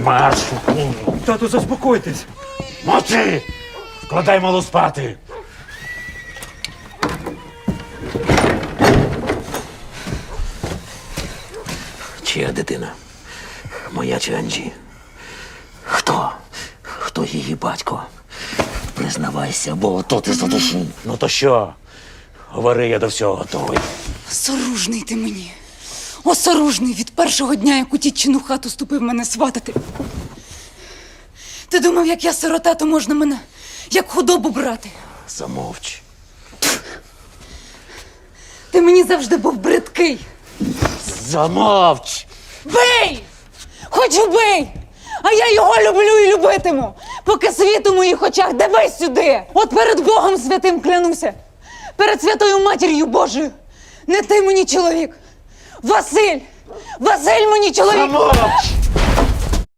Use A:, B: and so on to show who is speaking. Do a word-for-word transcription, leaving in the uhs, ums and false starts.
A: Марш!
B: Тату, заспокойтесь.
A: Мовчи! Вкладай малу спати! Чия дитина? Моя чи Анджі? Хто? Хто її батько? Признавайся, бо то ти задушу. Ну то що? Говори, я до всього готовий.
C: Осоружний ти мені. Осоружний від першого дня, як у тітчину хату ступив мене сватати. Ти думав, як я сирота, то можна мене як худобу брати.
A: Замовч.
C: Ти мені завжди був бридкий.
A: Замовч!
C: Бий! Хоч убий! А я його люблю і любитиму, поки світ у моїх очах, дивись сюди! От перед Богом святим клянуся, перед святою Матір'ю Божою, не ти мені чоловік, Василь! Василь мені чоловік!
A: Замовч!